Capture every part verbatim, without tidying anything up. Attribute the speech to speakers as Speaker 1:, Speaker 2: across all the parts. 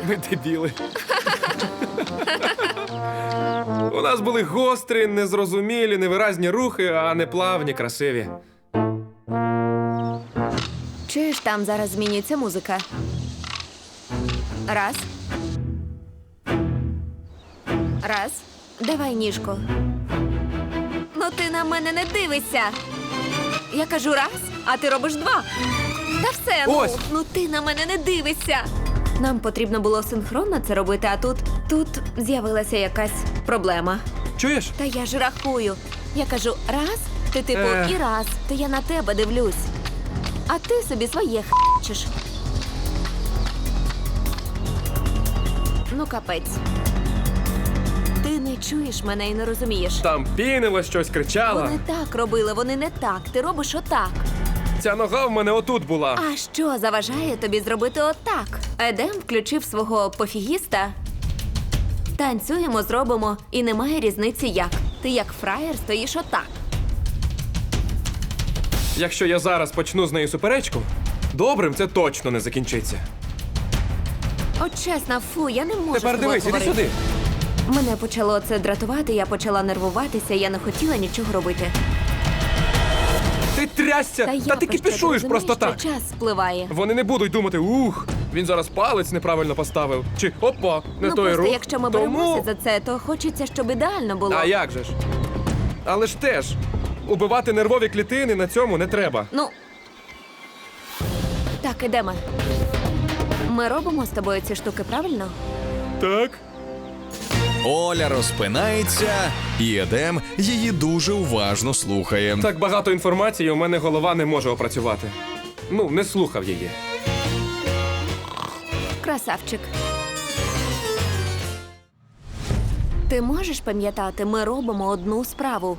Speaker 1: Ми дебіли. У нас були гострі, незрозумілі, невиразні рухи, а не плавні, красиві.
Speaker 2: Чуєш, там зараз змінюється музика. Раз. Раз. Давай ніжку. Ну ти на мене не дивишся. Я кажу раз, а ти робиш два. Та все, ну,
Speaker 1: Ось.
Speaker 2: ну ти на мене не дивишся. Нам потрібно було синхронно це робити, а тут, тут з'явилася якась проблема.
Speaker 1: Чуєш?
Speaker 2: Та я ж рахую. Я кажу раз, ти типу
Speaker 1: Ех.
Speaker 2: і раз, то я на тебе дивлюсь. А ти собі своє хачеш. Ну, капець. Ти не чуєш мене і не розумієш.
Speaker 1: Там пінило щось, кричала.
Speaker 2: Вони так робили, вони не так. Ти робиш отак.
Speaker 1: Ця нога в мене отут була.
Speaker 2: А що заважає тобі зробити отак? Едем включив свого пофігіста. Танцюємо, зробимо, і немає різниці як. Ти як фраєр стоїш отак.
Speaker 1: Якщо я зараз почну з нею суперечку, добрим це точно не закінчиться.
Speaker 2: От чесно, фу, я не можу
Speaker 1: Тепер
Speaker 2: з тобою
Speaker 1: дивись, іди
Speaker 2: говорити.
Speaker 1: сюди.
Speaker 2: Мене почало це дратувати, я почала нервуватися, я не хотіла нічого робити.
Speaker 1: Ти трясся, та,
Speaker 2: я
Speaker 1: ти
Speaker 2: про що,
Speaker 1: кипішуєш
Speaker 2: ти
Speaker 1: просто
Speaker 2: розумієш,
Speaker 1: так.
Speaker 2: що час спливає.
Speaker 1: Вони не будуть думати, ух, він зараз палець неправильно поставив. Чи опа, не
Speaker 2: Ну
Speaker 1: той
Speaker 2: просто
Speaker 1: рух.
Speaker 2: якщо ми
Speaker 1: Тому...
Speaker 2: беремося за це, то хочеться, щоб ідеально було.
Speaker 1: А як же ж? Але ж теж, убивати нервові клітини на цьому не треба.
Speaker 2: Ну. Так, ідемо. Ми робимо з тобою ці штуки, правильно?
Speaker 1: Так.
Speaker 3: Оля розпинається, і Едем її дуже уважно слухає.
Speaker 1: Так багато інформації у мене голова не може опрацювати. Ну, не слухав її.
Speaker 2: Красавчик. Ти можеш пам'ятати, ми робимо одну справу.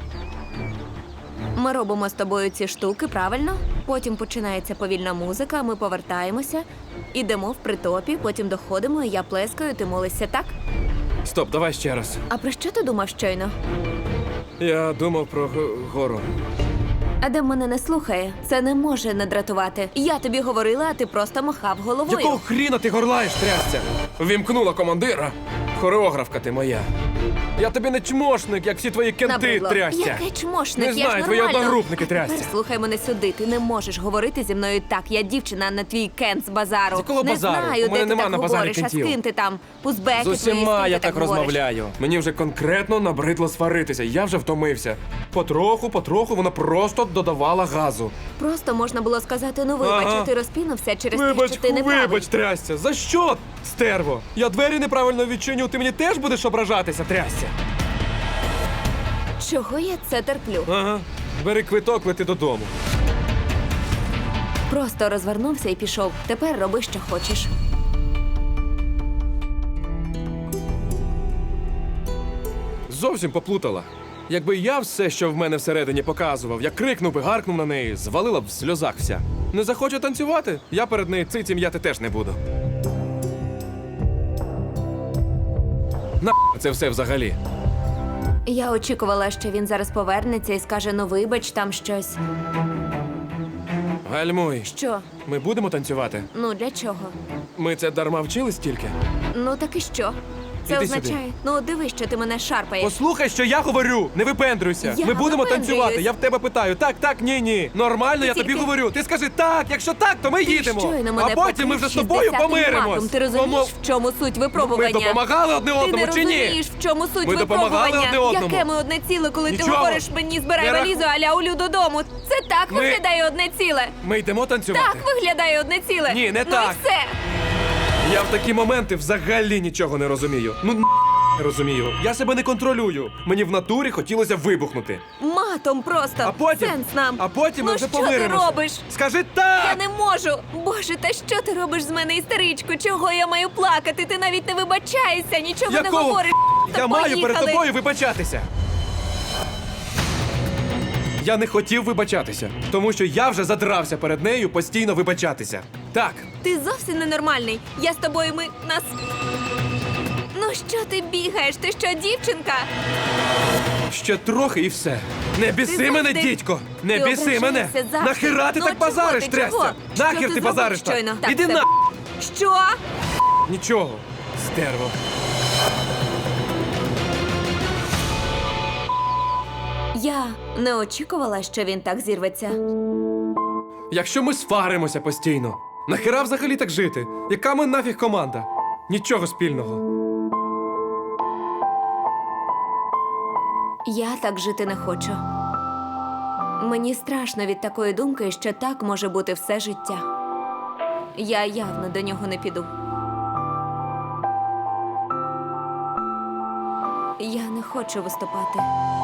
Speaker 2: Ми робимо з тобою ці штуки, правильно? Потім починається повільна музика, ми повертаємося, ідемо в притопі, потім доходимо, і я плескаю, ти молишся, так?
Speaker 1: Стоп, давай ще раз.
Speaker 2: А про що ти думав щойно?
Speaker 1: Я думав про г- гору.
Speaker 2: Адам мене не слухає. Це не може не дратувати. Я тобі говорила, а ти просто махав головою.
Speaker 1: Якого хріна ти горлаєш, трясця? Вімкнула командира. Хореографка ти моя. Я тобі не чмошник, як всі твої кенти,
Speaker 2: Набридло.
Speaker 1: трясця.
Speaker 2: Яке чмошник?
Speaker 1: Не
Speaker 2: Я
Speaker 1: знаю,
Speaker 2: ж
Speaker 1: твої
Speaker 2: нормально.
Speaker 1: одногрупники,
Speaker 2: А тепер
Speaker 1: трясця.
Speaker 2: слухай мене сюди. Ти не можеш говорити зі мною так. Я дівчина, а не твій кент з базару.
Speaker 1: З якого
Speaker 2: не
Speaker 1: базару?
Speaker 2: знаю,
Speaker 1: У мене
Speaker 2: де
Speaker 1: нема
Speaker 2: ти
Speaker 1: на
Speaker 2: так
Speaker 1: базарі
Speaker 2: говориш, а
Speaker 1: кентів.
Speaker 2: з ким ти там? Узбеки
Speaker 1: З
Speaker 2: твої,
Speaker 1: усіма
Speaker 2: з ким
Speaker 1: я
Speaker 2: ти
Speaker 1: так
Speaker 2: говориш?
Speaker 1: розмовляю. Мені вже конкретно набридло сваритися. Я вже втомився. Потроху, потроху вона просто додавала газу.
Speaker 2: Просто можна було сказати, ну вибач,
Speaker 1: Ага.
Speaker 2: а ти розпінувся через
Speaker 1: Вибач,
Speaker 2: те, що ти не правий.
Speaker 1: вибач, трясця. За що, стерво? Я двері неправильно відчиню, ти мені теж будеш ображатися, трясця?
Speaker 2: Чого я це терплю?
Speaker 1: Ага. Бери квиток, лети додому.
Speaker 2: Просто розвернувся і пішов. Тепер роби, що хочеш.
Speaker 1: Зовсім поплутала. Якби я все, що в мене всередині показував, я крикнув би, гаркнув на неї, звалила б в сльозах вся. Не захоче танцювати? Я перед нею цицім м'яти теж не буду. На це все взагалі.
Speaker 2: Я очікувала, що він зараз повернеться і скаже, ну вибач, там щось.
Speaker 1: Гальмуй,
Speaker 2: Що?
Speaker 1: ми будемо танцювати?
Speaker 2: Ну для чого?
Speaker 1: Ми це дарма вчились тільки?
Speaker 2: Ну так і що? Це
Speaker 1: Іди
Speaker 2: означає.
Speaker 1: сюди.
Speaker 2: Ну дивись, що ти мене шарпаєш.
Speaker 1: Послухай, що я говорю, не випендрюйся.
Speaker 2: Я
Speaker 1: Ми будемо
Speaker 2: випендрююсь.
Speaker 1: танцювати. Я в тебе питаю. Так, так, ні, ні. Нормально, я
Speaker 2: Тільки-
Speaker 1: тобі говорю. Ти скажи так, якщо так, то ми
Speaker 2: Ти
Speaker 1: їдемо.
Speaker 2: щойно мене
Speaker 1: А потім ми вже з тобою
Speaker 2: покрив шістдесятим матом.
Speaker 1: помиримось.
Speaker 2: Ти розумієш,
Speaker 1: Помо-
Speaker 2: в чому суть випробування?
Speaker 1: Ми допомагали одне
Speaker 2: Ти
Speaker 1: одному
Speaker 2: не
Speaker 1: чи ні?
Speaker 2: розумієш, в чому суть
Speaker 1: Ми допомагали
Speaker 2: випробування?
Speaker 1: одне одному.
Speaker 2: Яке ми одне ціле, коли ти
Speaker 1: Нічого.
Speaker 2: говориш мені збирай
Speaker 1: Не раху-
Speaker 2: валізу, аля улю додому. Це так
Speaker 1: Ми-
Speaker 2: виглядає одне ціле.
Speaker 1: Ми йдемо танцювати.
Speaker 2: Так виглядає одне ціле.
Speaker 1: Ні, не
Speaker 2: ну
Speaker 1: так.
Speaker 2: І все.
Speaker 1: Я в такі моменти взагалі нічого не розумію. Ну не розумію. Я себе не контролюю. Мені в натурі хотілося вибухнути.
Speaker 2: Матом просто.
Speaker 1: А потім,
Speaker 2: Сенс нам.
Speaker 1: а потім ми
Speaker 2: ну,
Speaker 1: вже
Speaker 2: що
Speaker 1: помиримося.
Speaker 2: ти робиш?
Speaker 1: Скажи так!
Speaker 2: Я не можу! Боже, та що ти робиш з мене, істеричку? Чого я маю плакати? Ти навіть не вибачаєшся, нічого не
Speaker 1: Якого?
Speaker 2: говориш.
Speaker 1: Я
Speaker 2: Та
Speaker 1: маю перед
Speaker 2: поїхали.
Speaker 1: тобою вибачатися. Я не хотів вибачатися, тому що я вже задрався перед нею постійно вибачатися. Так,
Speaker 2: Ти зовсім ненормальний. Я з тобою, ми нас. Ну що ти бігаєш? Ти що, дівчинка?
Speaker 1: ще трохи і все. Не біси
Speaker 2: Ти
Speaker 1: мене,
Speaker 2: завжди-
Speaker 1: дідько! Не
Speaker 2: ти
Speaker 1: біси мене!
Speaker 2: ображаєшся завжди.
Speaker 1: Нахера ти
Speaker 2: Ну,
Speaker 1: так
Speaker 2: чого
Speaker 1: базариш,
Speaker 2: ти,
Speaker 1: трясся?
Speaker 2: чого? Що
Speaker 1: Нахер
Speaker 2: ти
Speaker 1: ти
Speaker 2: зробив
Speaker 1: базариш так?
Speaker 2: щойно? Так,
Speaker 1: Іди
Speaker 2: все.
Speaker 1: на!
Speaker 2: Що?
Speaker 1: Нічого. Стерво.
Speaker 2: Я не очікувала, що він так зірветься.
Speaker 1: Якщо ми сваримося постійно, нахера взагалі так жити? Яка ми нафіг команда? Нічого спільного.
Speaker 2: Я так жити не хочу. Мені страшно від такої думки, що так може бути все життя. Я явно до нього не піду. Я не хочу виступати.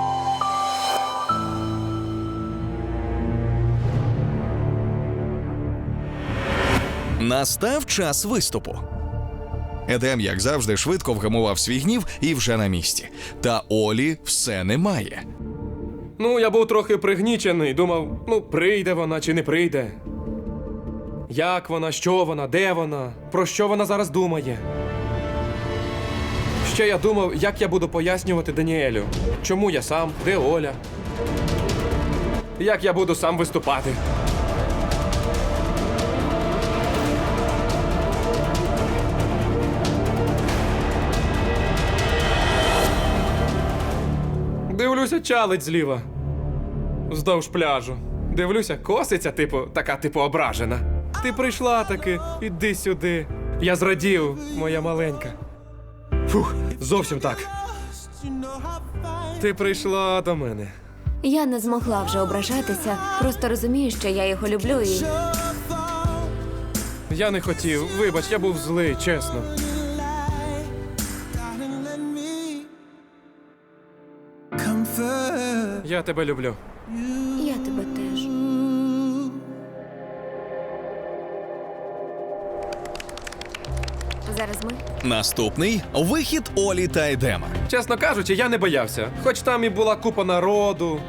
Speaker 3: Настав час виступу. Едем, як завжди, швидко вгамував свій гнів і вже на місці. Та Олі все немає.
Speaker 1: Ну, я був трохи пригнічений, думав, ну, прийде вона чи не прийде. Як вона, що вона, де вона, про що вона зараз думає. Ще я думав, як я буду пояснювати Даніелю, чому я сам, де Оля. Як я буду сам виступати. Дивлюся, чалить зліва. Вздовж пляжу. Дивлюся, коситься, типу, така, типу, ображена. Ти прийшла таки, іди сюди. Я зрадів, моя маленька. Фух, зовсім так. Ти прийшла до мене.
Speaker 2: Я не змогла вже ображатися, просто розумію, що я його люблю і...
Speaker 1: Я не хотів, вибач, я був злий, чесно. Я тебе люблю.
Speaker 2: Я тебе теж. Зараз ми.
Speaker 3: Наступний вихід Олі та Едема.
Speaker 1: Чесно кажучи, я не боявся. Хоч там і була купа народу.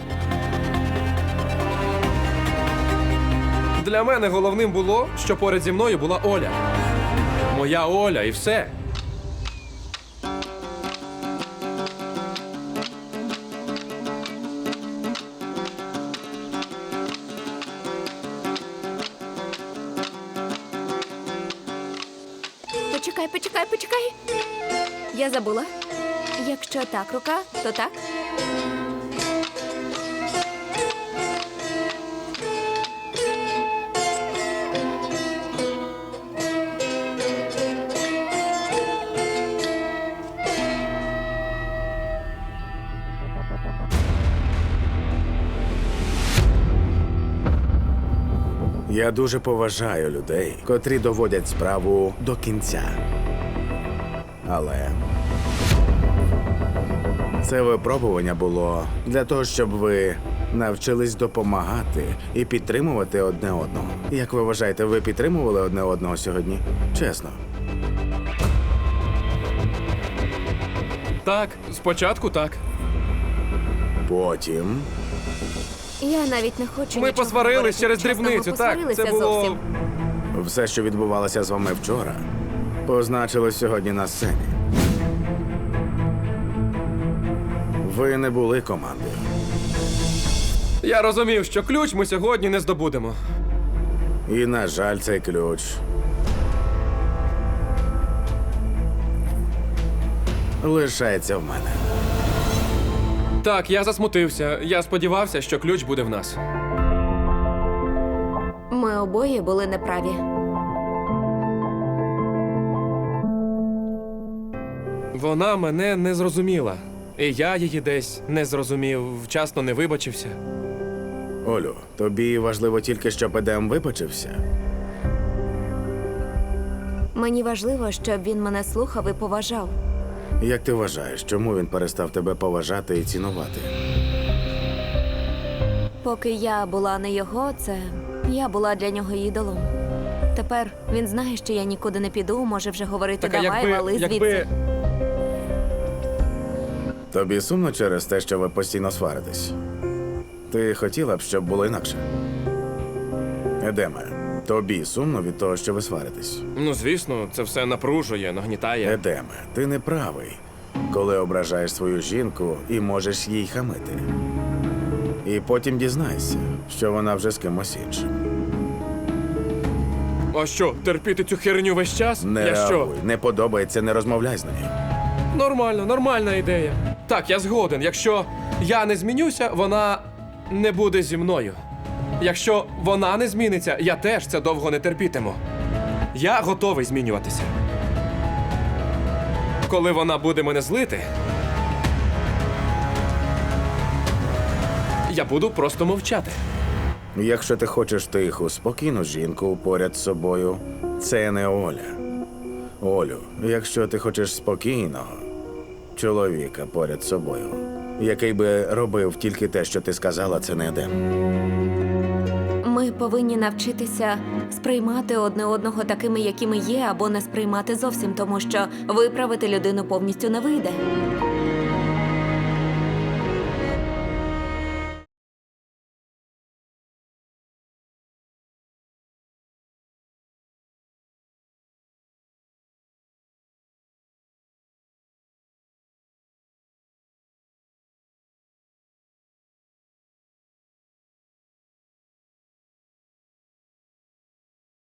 Speaker 1: Для мене головним було, що поряд зі мною була Оля. Моя Оля і все.
Speaker 2: Почекай, почекай, почекай. Я забула. Якщо так рука, то так.
Speaker 4: Я дуже поважаю людей, котрі доводять справу до кінця. Але це випробування було для того, щоб ви навчились допомагати і підтримувати одне одного. Як ви вважаєте, ви підтримували одне одного сьогодні? Чесно.
Speaker 1: Так, спочатку так.
Speaker 4: Потім
Speaker 2: Я навіть не хочу.
Speaker 1: Ми
Speaker 2: нічого
Speaker 1: посварились
Speaker 2: говорити.
Speaker 1: через
Speaker 2: Чесно, ми
Speaker 1: дрібницю, так,
Speaker 2: посварилися
Speaker 1: це було-
Speaker 2: зовсім.
Speaker 4: все, що відбувалося з вами вчора, позначилось сьогодні на сцені. Ви не були командою.
Speaker 1: Я розумів, що ключ ми сьогодні не здобудемо.
Speaker 4: І, на жаль, цей ключ лишається в мене.
Speaker 1: Так, я засмутився. Я сподівався, що ключ буде в нас.
Speaker 2: Ми обоє були неправі.
Speaker 1: Вона мене не зрозуміла. І я її десь не зрозумів, вчасно не вибачився.
Speaker 4: Олю, тобі важливо тільки, щоб Едем вибачився?
Speaker 2: Мені важливо, щоб він мене слухав і поважав.
Speaker 4: Як ти вважаєш, чому він перестав тебе поважати і цінувати?
Speaker 2: Поки я була не його, це я була для нього ідолом. Тепер він знає, що я нікуди не піду, може вже говорити
Speaker 1: Так, а
Speaker 2: давай,
Speaker 1: якби,
Speaker 2: вали звідси.
Speaker 1: якби...
Speaker 4: Тобі сумно через те, що ви постійно сваритесь? Ти хотіла б, щоб було інакше? Едеме, тобі сумно від того, що ви сваритесь?
Speaker 1: Ну, звісно, це все напружує, нагнітає.
Speaker 4: Едеме, ти не правий, коли ображаєш свою жінку і можеш їй хамити. І потім дізнайся, що вона вже з кимось іншим.
Speaker 1: А що, терпіти цю херню весь час?
Speaker 4: Не
Speaker 1: я що?
Speaker 4: реагуй, не подобається, не розмовляй з нею.
Speaker 1: Нормально, нормальна ідея. Так, я згоден. Якщо я не змінюся, вона не буде зі мною. Якщо вона не зміниться, я теж це довго не терпітиму. Я готовий змінюватися. Коли вона буде мене злити, я буду просто мовчати.
Speaker 4: Якщо ти хочеш тиху, спокійну жінку поряд з собою, це не Оля. Олю, якщо ти хочеш спокійного чоловіка поряд з собою, який би робив тільки те, що ти сказала, це не Едем.
Speaker 2: Ми повинні навчитися сприймати одне одного такими, якими є, або не сприймати зовсім, тому що виправити людину повністю не вийде.